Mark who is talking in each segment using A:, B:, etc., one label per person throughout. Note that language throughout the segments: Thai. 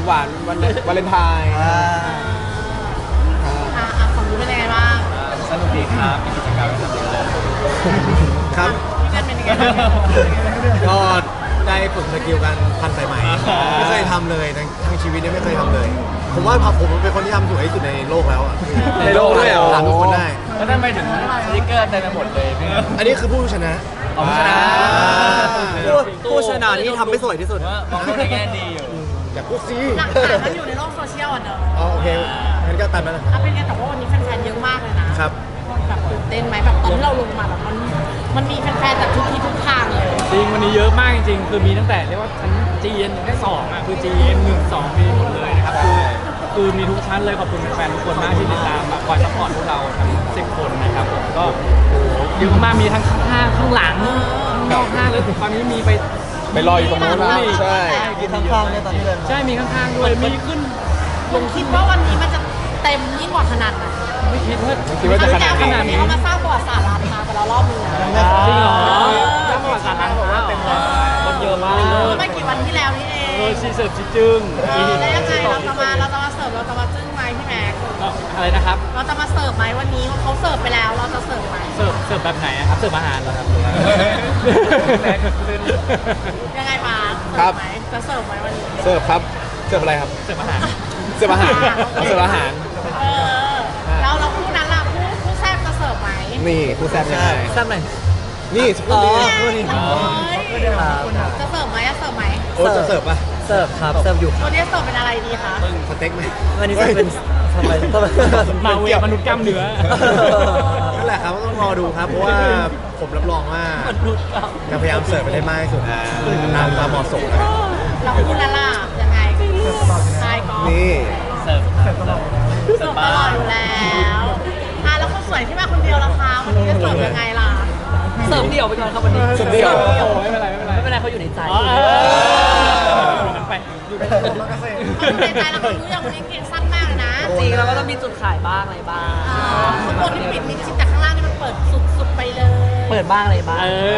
A: หวานวันวาเลนไทน์
B: ของรู้เป็นยังไงบ้าง
C: สนุกดีครับมีกิจกรรมให้ทำเยอะเลย
D: ครับ
B: พี่เล่นเป็นยังไงบ้าง
D: ก็ได้ฝึกสกิลการพันสายไหมไม่เคยทำเลยทั้งชีวิตเนี่ยไม่เคยทำเลย ผมว่าผมเป็นคนที่ทำสวยที่สุดในโลกแล้วอ่ะ
A: ในโลกด้วยเหรอ
D: ถามทุกคนได้
C: แล้วทำไมถึงสติ๊กเกอร์เต็มไปหมดเลยพี่
D: อันนี้คือผู้ชนะ
C: เอาชนะ
E: ผู้ชนะที่ทำไม่สวยที่สุด
C: ว่ามองโลกในแง่ดีอยู่
D: อย่าพูดสิ
B: หลักฐานมันอยู่ในโลกโซเชียลอ่ะเนอะ
D: อ๋อโอเคงั้นก็ตามนั้นแหละ
B: เป็นไงแต่ว่าวันนี้แฟนๆเยอะมากเลยนะครับ แบบตื่นเต้นไหมแบบตอนที่เราลงมาแบบมันมีแฟนๆจากทุกที่ทุกทางเลย
F: จริงวันนี้เยอะมากจริงๆ คือมีตั้งแต่เรียกว่าชั้น GN แค่2อ่ะคือ GN 1 2มีหมดเลยนะครับคือมีทุกชั้นเลยขอบคุณแฟนๆทุกคนมากที่ติดตามแบบคอยซัพพอร์ตพวกเราทั้ง10 คนนะครับผมก็โอ้โหเยอะมากมีทั้งข้างหน้าข้างหลังข้างนอกห้างแล้วตอนนี้มีไป
A: รออยู่ตรงนู้นนะใช่
E: มีข้างๆเนี่ยตอนนี้เลย
F: ใช่มีข้างๆด้วยมีขึ้น
B: ลงคิดว่าวันนี้มันจะเต็มยิ่งกว่าขนาดไหน
F: ไม่คิดว่า
A: คิดว่าจะขนาด
B: ครั้ง
A: นี้
B: ที่แล้วเขามาสร้างประวัติศาสตร์ร้านค้าไปแล้วรอบนึงนะ
F: จริงเหรอถ้าประวัติศาสตร์ร้านบอกว่าเต็มเลยคนเยอะมาก
B: ไม่กี่วันที่แล้วนี่เอง
F: ชีเสิร์ฟชีจึ้ง
B: แล้วยังไงเราจะมาเสิร์ฟเราจะมาจึ้งไหมพี่แม็ก
F: อะไรนะครับ
B: เราจะมาเสิร์ฟไหมวันนี้เขาเสิร์ฟไปแล้วเราจะเสิร์ฟไหม
F: เสิร์ฟแบบไหนอะครับเสิร์ฟอาหารเหรอครับ
B: ยังไงมา
A: ครับ
B: จะเสิร์ฟไหมวันนี้
A: เสิร์ฟครับเสิร์ฟอะไรครับ
F: เสิร์ฟอาหาร
A: เสิร์ฟอาหารเสิร์ฟอาหาร
B: เออแล้วเราคู่นั้นล่ะคู่แซ่บจะเสิร์ฟไหม
A: นี่คู่แซ่บยังไง
E: แซ่บไหน
A: นี่สักครู่นี้
B: จะเสิร์ฟไหมจะเสิร์ฟไหม
D: โอ้จะเสิร์ฟป่ะ
E: เสิร์ฟครับเสิร์ฟอยู่
B: วันนี้เสิร์ฟเป็นอะไรดีคะ
D: สเต็กไหม
E: วันนี้จะเป็นทำไม
F: มาเวมนุษย์กล้ามเนื้อ
D: นั่นแหละครับต้องรอดูครับ เพราะว่าผมรับรองว่าจะพยายามเสิร์ฟไปได้มากที่สุดตามความเหมาะสมนะครับ
B: เราคู่นั้นล่ะยังไงใช่ก็
D: นี่
C: เสิร์ฟ
B: เสิร์ฟตลอดอยู่แล้วแล้วคนสวยที่มาคนเดียวล่ะคะวันนี้จะเสิร์ฟยังไงล่ะ
E: เสิร์ฟเดี่ยวไปก่อนครับวันนี้
A: เสิร์ฟเดี่ยว
F: โอ้ไม่เป็นไรไม่เป็นไร
E: ไม่เป็นไรเขาอยู่ในใจ
F: อยู่นั้นไปอยู่ใน
B: ในใจเรารู้อย่างวันนี้เก่งสั้นมากเลยนะ
E: จริงเราก็ต้องมีจุดขายบ้างอะไรบ้าง
B: ข้างบนนี่ปิดมิดชิดแต่ข้างล่างนี่มันเปิดสุดไปเลย
E: เปิดบ้างอะไรบ้าง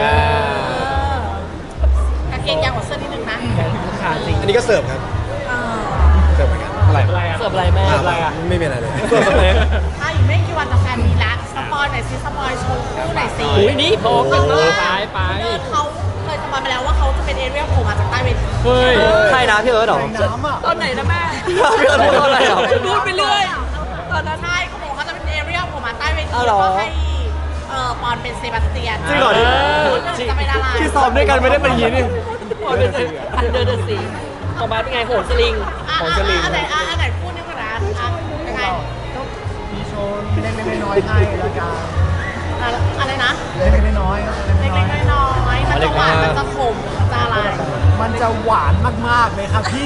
B: กางเกงยาวกว่าเสื้อนิดนึงนะ
E: ขาจริง
D: อันนี้ก็เสิร์ฟครับเสิร์ฟเหมือนกัน
A: อะไร
E: เสิร์ฟอะไรแม่
D: ไม่มีอะไรเลย
B: ถ้าอีกไม่กี่วันจะแฟนมีละสปอยหน่อยซิสปอยโชว์คู่หน่อยสิ
F: อุ้ยนี่พอกันเลยไป
B: เขาเคยสปอยมาแล้วว่าเขาจะเป็นเอเรียลโผล่มาจากใต้เวที
F: เฮ้ย
E: ใครนะพี่เอิร์ธหรอ
B: ตอนไหนนะแม่
E: พี่เอิร์ธพูดอะไรหรอ
B: พูดไปเรื่อยตอนนั้นใช่เขาบอกเขาจะเป็นเอเรียลโผล่มาใต้เวที
E: อ้าวเหรอ
B: ก็ให้ปอนเป็นเซบาสเตียน
E: จริงเหรอ
B: จะเป็นอะไร
E: ที่ซ้อมด้วยกันไม่ได้เป็นอย่างนี้นี่อันเดอร์เดอะซีต่อมาเป็นไงโหนสลิง
B: อันไหนพูดนี่ก่อนนะยังไง
G: มีโชว์เล็กๆน้อยๆให้แล้วกัน
B: อะไรนะ
G: เล็กๆน้อยๆ
B: เล็กๆน้อยๆมันจะหวานมันจะขมมันจะอะไร
G: มันจะหวานมากๆเลยครับพี่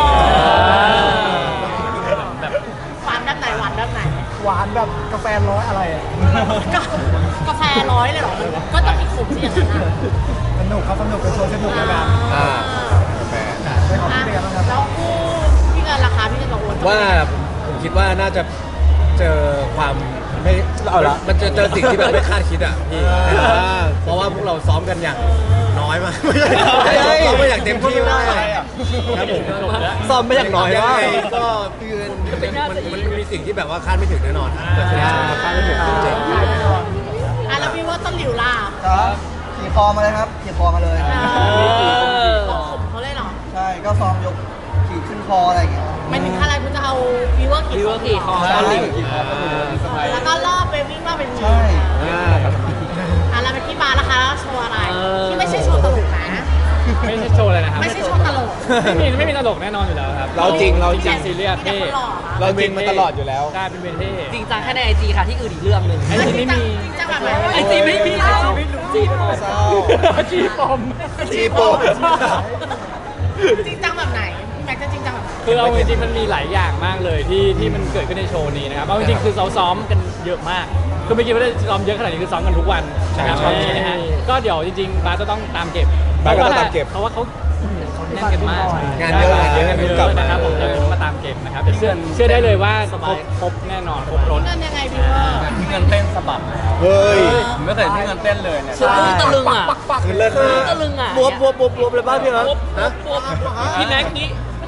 B: หวานด้านไหนหวานด้านไหน
G: หวานแบบกาแฟร้อยอะไรอะ
B: กาแฟร้อยเลยเหรอก็ต้องมีขมสิอย่างนั้น
G: สนุกครับสนุกเป็นโชว์สนุกแล้วกัน
D: กาแฟ
G: ไปขอบคุณเด็กกันครับ
B: แล้วคู่พี่เงินราคาพี่เงินกับโอน
D: ว่าผมคิดว่าน่าจะเจอความไม่เอาละมันจะเจอสิ่งที่แบบไม่คาดคิดอ่ะพี่เพราะว่าพวกเราซ้อมกันอย่างน้อยมากไม่ใช่ซ้อมมาอย่างเต็มที่มากครับผม
E: ซ้อมไปอย่างน้อย
D: ยัง
E: มาก
D: ไงก็มันมีสิ่งที่แบบว่าคาดไม่ถึงแน่นอนเกิดขึ้นคาดไม่ถึงจริง
B: แล้วพี่ว่าต้นหลิวล่ะ
H: ครับขี่คอมาเลยครับขี่คอมาเลย
B: ขมเขาเลยเหรอ
H: ใช่ก็ซ้อมยกขี่ขึ้นคออะไรอย่างเงี้ย
B: ไม่ถึงอะไรคุณจะเอาวิวเวอร์กี่
E: วิวเวอร์กี่คอ
H: ใช่
B: แล้วก็รอบไปวิ่งรอบเป็น
H: ใช่
B: แล้วเป็นพี่บาร์ล่ะคะแล้วโชว์อะไรที่ไม่ใช่โชว์ตลกนะ
F: ไม่ใช่โชว์เลยนะครับ
B: ไม่ใช่โชว์ตลก
F: ไม่มีตลกแน่นอนอยู่แล้วครับ
A: เราจริง
F: ซีเรียส
B: มีแต่
F: เท่
B: คนหล่อนะ
A: เราจริงมาตลอดอยู่แล้ว
F: ใช่เป็นเวที
E: จริงจังแค่ในไอจีค่ะที่อื่นอีกเรื่องหนึ่ง
F: ไอจีไม่มี
B: จริงจังแบบไหน
E: ไอจีไม่มีจีปอม
F: จีปอม
D: จีโป
B: จริงจังแบบไหนพี่แม็กซ์จะจริงจังแบบไหน
F: คือเอาจริงๆมันมีหลายอย่างมากเลยที่มันเกิดขึ้นในโชว์นี้นะครับเอาจริงๆคือเราซ้อมกันเยอะมากคือไม่คิดว่าได้ซ้อมเยอะขนาดนี้คือซ้อมกันทุกวันนะครับตอนนี้นะฮะก็เดี๋ยวจริงๆบาสจะต้องตามเก็บบ
A: าสก็ต้องตามเก็บ
F: เพราะว่าเขาแน่นกันมาก
D: งานเยอะงานเยอะ
F: งานเย
A: กลับ
F: อะ
A: มา
F: นะครับผมจะมาตามเก็บนะครับแต่เชื่อได้เลยว่าครบแน่นอนครบรถ
B: เงินยังไงพี่ว่า
C: พี่เงินเต้นสะบัด
D: เฮ้ย
C: ผมไม่เคยเห็นพี่เงินเต้นเลยเนี่ย
E: ใช่ตะลึงอ่ะ
D: คือเลิศมาก
E: ตะลึงอ่ะบวบเลยบ้างพี่เอิร์ธ
D: ฮะ
E: พี่แม็กนี้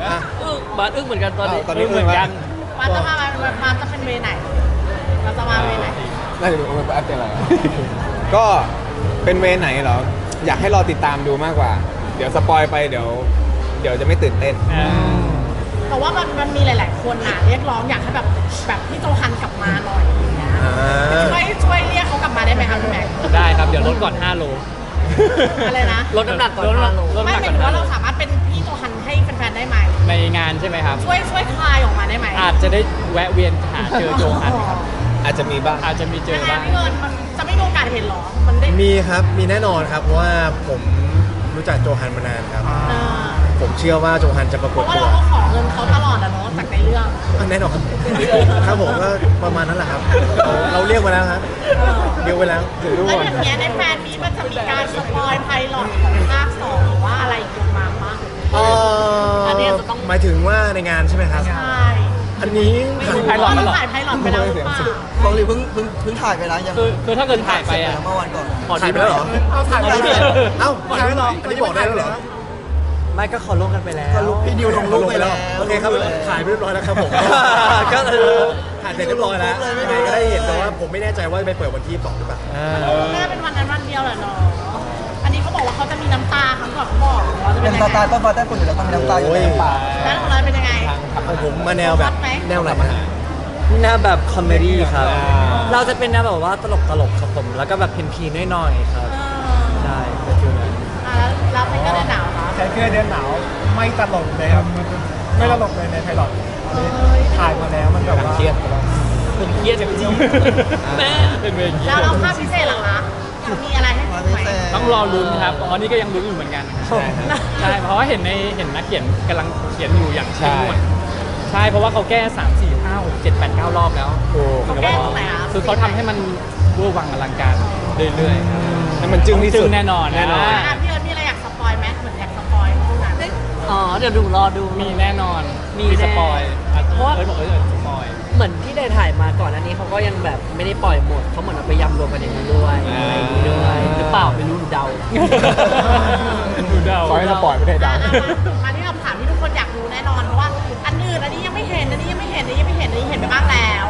E: บาสอึ้งเหมือนกันตอนนี้
A: ตอนนี้
F: เหมือนกัน
B: มันจะเป็นเวไหนมันจะมาเวไหน
A: น่าจะดูว่าเป็นอะไรก็เป็นเวไหนเหรอ อยากให้รอติดตามดูมากกว่า เดี๋ยวสปอยไปเดี๋ยวจะไม่ตื่นเต้น
B: แต่ว่ามันมีหลาย ๆ คนน่ะเรียกร้องอยากให้แบบพี่โจฮันกลับมาหน่อยอย่างเงี้ยช่วยเรียกเขากลับมาได้ไหมครับพี่แม็ก
F: ได้ครับ เดี๋ยวลดก่อน 5 โล
B: อะไรนะ
E: ลดน้ำหนักก่อน
F: ลด
E: 5 โล
F: ลด
B: ไม่
F: น้ำห
B: ห
F: นั
B: มาก ย
F: ก่อน
B: ถึงว่า
F: 5 โล
B: เราสามารถเป็นพี่โจฮันให้แฟนๆได้ไหม
F: ในงานใช่ไหมครับ
B: ช่วยคลายออกมาได้ไหม
F: อาจจะได้แวะเวียนหาเจอโจฮันครับ
A: อาจจะมีบ้าง
F: อาจจะมีเจอ
B: ยังไง
F: บ้าง
B: พี่เงินมันจะไม่มีโอกาสเห็นหรอมันได้
D: มีครับมีแน่นอนครับเพราะว่าผมรู้จักโจฮันมานานครับ
B: เออ
D: ผมเชื่อว่าโจฮันจะปราก
B: เพ
D: ฏ
B: ราะว่า
D: ตัว
B: เราก็ขอเงินเขาตลอดอะเนาะจากในเรื่อง
D: แน่นอนครับผมก็ประมาณนั้นแหละครับ เราเรียกมาแล้วครับเรียกไว้แล้ว
B: แล้วอย่างเงี้ยในแฟนมีมันจะมีการสปอยไพลอตของภาค2หรือว่าอะไรอีกมาบ้าง
E: อันนี้จะต้อง
D: หมายถึงว่าในงานใช่ไหมครับ
B: ใช่
D: อันนี้
F: ไพลอตแล้วเหรอ
B: ถ่ายไพลอตไปแล้วหรือเปล่า
H: ฟองลีเพิ่งถ่ายไปแล้วยัง
F: คือถ้าเกิดถ่ายไปอ่ะ
H: เมื่อวันก่อน
D: ถ่ายไปแล้วเหรอ
G: เอาถ่ายไป
F: เอา
G: แล้ว
D: เอ้าถ่ายไปแล้วเหรออันนี้บอกได้แล้วเหรอ
E: ไม่ก็ขอลงกันไปแล้ว
H: ก็ลุกพี่ดิวลงรูปไปแล้ว
D: โอเคครับถ่ายไปเรียบร้อยแล้วครับผม
E: ก็
D: ถ่ายเสร็จเรียบร้อยแล้วยังไงก็ได้เห็นแต่ว่าผมไม่แน่ใจว่าไปเปิดวันที่2หรือเปล่า
B: น่าเป็นวันนั้นวันเดียวแหละเนาะอันนี้เขาบอกว่าเขาจะมีน้ำตาครั้งก่อนเขาบอกว่าจะ
H: เป็
B: เป็น น
H: ส
B: ยัง
H: ไต
B: ไง
H: ล์ต้นฟ้าใต้ฝุ่นอยู่แล้วต้องมีน้ำตาอยู่ในปาก
B: แล้วของเราเป็นยังไง
D: ของผมมาแนวแบบแนวไหนนะ
E: แนวแบบคอมเมดี้ครับ
A: อ่า
E: เราจะเป็นแนวแบบว่าตลกครับผม แล้วก็แบบพีนๆหน่อยๆครับ ใช่เป็นฟิลนั้น
B: แล้วเพลงก็ได้หนาวเหรอ
G: แค่เพื่อเดือนหนาวไม่ตลกเลยครับ ไม่ตลกเลยในไพลอตถ่ายมาแล้วมันแบบว่า
A: เครียด
E: ผมเครียดจริงๆแม่
F: เป็นเวที
B: แล้วเราภาพพิเศษเหรอคะมีอะไรให้
H: มา
B: ดู
H: พิ
B: ไหม
H: เศษ
F: ต้องรอลุ้นครับตอนนี้ก็ยังลุ้นอยู่เหมือนกันใช่เพราะว่าเห็นนักเขียนกำลังเขียนอยู่อย่างเข้มงวดใช่เพราะว่าเขาแก้3 4 5 6 7 8 9 รอบแล้ว
B: เขาแก้ตรงไหนอ่ะ
F: คือเขาทำให้มันเวอร์วังอลังการเรื่อยๆ
A: ให้มันจึ้งที่สุด
F: แน่นอน
A: แน่นอน
B: พี่เอิร์ธมีอะไรอยากสปอยไหมเหมือนอยากสปอยเท่านั้น
E: อ๋อ เดี๋ยวดูรอดู
F: มีแน่นอน
E: มี
F: สปอย
E: เพราะว่า
F: บอกเลยสปอย
E: เหมือนที่ได้ถ่ายมาก่อนอันนี้เขาก็ยังแบบไม่ได้ปล่อยหมดเขาเหมือนเอาไปยำรวมกันอย่างนี้ด้วยอะไรอย่างนี้ด้วยหรือเปล่าไม่รู้ดูเดา
F: ดูเดา
A: ขอให้สปอยไม่ได้ดัง
B: มาที่คำถามที่ทุกคนอยากรู้แน่นอนเพราะว่าอันอื่นอันนี้ยังไม่เห็นอันนี้ยังไม่เห็นอันนี้ยังไม่เห็นอันนี้เห็นไปบ้างแล้ว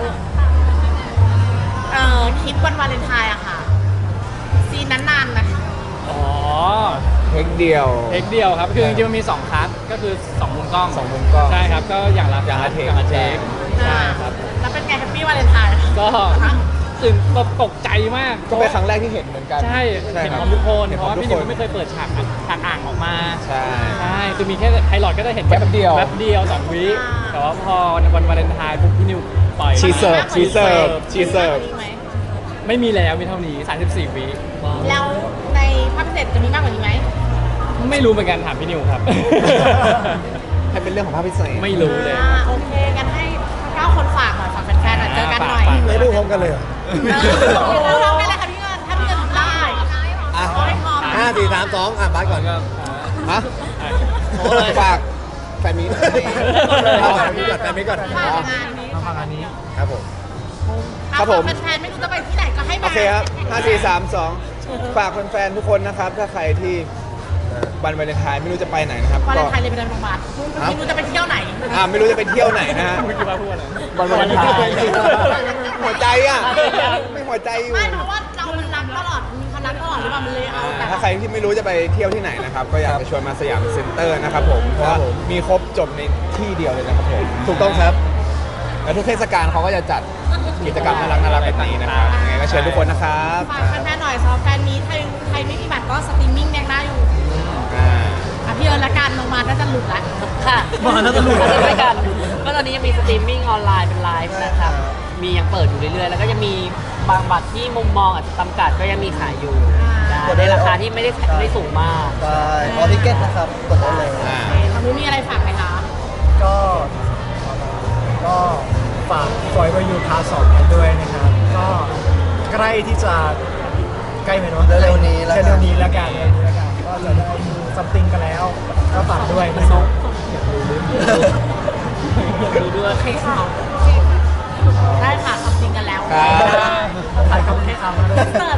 B: คลิปวันวาเลนไทน์อะค่ะซีนนั้นนานนะ
F: อ๋อ
A: เทคเดียว
F: เทคเดียวครับคือจริงๆมันมี2คัทก็คือ2มุมกล้อง
A: 2มุมกล้อง
F: ใช่ครับก็อย่างละ
A: อย่างละเทค
F: อย่างละเทคใช่ครับ
B: แล้วเป็นไงแฮปปี้วาเลนไทน์
F: ก็ตื่นตกใจมาก
A: ก็เป็นครั้งแรกที่เห็นเหมือนกัน
F: ใช่
A: ใช่
F: เห็น
A: ค
F: พ
A: รับ
F: ร้อมทุกคน
A: เห็น
F: เพ
A: พร้อ
F: ราะ
A: ม
F: ว่า
A: ทุก
F: พี่นิว
A: คน
F: ไม่เคยเปิดฉากอ่างออกมา
A: ใช่
F: ใช่คือมีแค่ไพลอตก็ได้เห็น
A: แป๊บเดียว
F: แป๊บเดียว2 วิแต่ว่าพอวันวาเลนไทน์ปุ๊บพี่นิวปล่อย
A: ชีเสิร์ฟชีเสิร์ฟชีเสิร์ฟ
F: ไม่มีแล้วมีเท่านี้34 วิ
B: แล้วในภาพพิเศษจะมีมากกว่านี้ไหม
F: ไม่รู้เหมือนกันถามพี่นิวครับ
A: ให้เป็นเรื่องของภาพพิเศษ
F: ไม่รู้เลย
B: โอเคกันให้9คนฝากหน่อยฝากแฟนๆหน่อยเจอกันหน่อย
F: ฝาก
D: ไม่ดูพร้อมกันเลยเหรอ
B: เราลองกันเลยค่ะพี่เงินถ้าพี่เงินทำได้
D: อ่ะ
B: เอาให้พร้อม
D: 5 4 3 2อ่ะบาสก่อน
A: ฮะฝากแฟนมี
D: เอาแฟนนี้ก่อนแฟนนี้ก่อน
B: ฝากงานนี้
G: ฟังอันนี้
D: ครับผม
A: ครับผม
B: แฟนๆไม่รู้จะไปที่ไหนก็ให้มา
A: โอเคครับ 5 4 3 2 ฝากแฟนๆ ทุกคนนะครับ ถ้าใครที่วันวาเลนไทน์ไม่รู้จะไปไหนนะครับ
B: วาเล
A: ก็
B: นไทน์เลยไปโรงพยาบาลไม่รู้จะไปเที่ยวไหน
A: ไม่รู้จะไปเที่ยวไหนนะฮะ
F: เมื่อกี้ว่าพูดอะไร
A: วันวาเลนไทน์หัวใจอ่ะ ไม่หัวใจอยู่
B: ไม่เพราะว่าเรามันรักตลอดมีความรักตลอดหรือเปล่ามันเลยเอาแต่
A: ถ้าใครที่ไม่รู้จะไปเที่ยวที่ไหนนะครับ ก็อยากจะชวนมาสยามเซ็นเตอร์นะครับผม เพราะว่ามีครบจบในที่เดียวเลยนะครับผม
D: ถูกต้องครับ
A: และทุกเทศกาลเขาก็จะจัดกิจกรรมน่ารักๆแบบนี้นะครับยังไงก็เชิญทุกคนนะครับ
B: ฝากแฟนๆหน่อยสำหรับแฟนมีใครไม่มีบัตรก็สตรีมมิ่งยังได้อยู่
A: อ่า
B: พี่เอิญละกันลงมาน่าจะหลุดละ
E: ค่ะมาแล้วก็รู้ด้วยกันก็ตอนนี้ยังมีสตรีมมิ่งออนไลน์เป็นไลฟ์นะครับ มียังเปิดอยู่เรื่อยๆ แล้วก็ยังมีบางบัตรที่มุมมองอาจจะจำกัดก็ยังมีขายอยู่ในราคาที่ไม่ได้สูงมาก
H: ใช่ออทิเก็ตนะครับ กดได้เลย
A: อ่า
B: ทางนู้นมีอะไรฝากไหมคะ
G: ก็ฝากฟอยว่ายูพาร์ท2กันด้วยนะครับ ก็ใกล้ที่จะใกล้ไหมเนาะ
H: เร็วๆนี้แล้วกัน
G: เร็วๆนี้แล้วกันก็จะได้ดูซัมติงกันแล้ว ก็ฝากด้วยนะครับ
E: ดูด้วย
B: ให้ข่าวได้ค่ะทำจริงกันแล้ว
A: ครับ
G: ถ่ายคำให้คำมาด้วย
B: เสิร์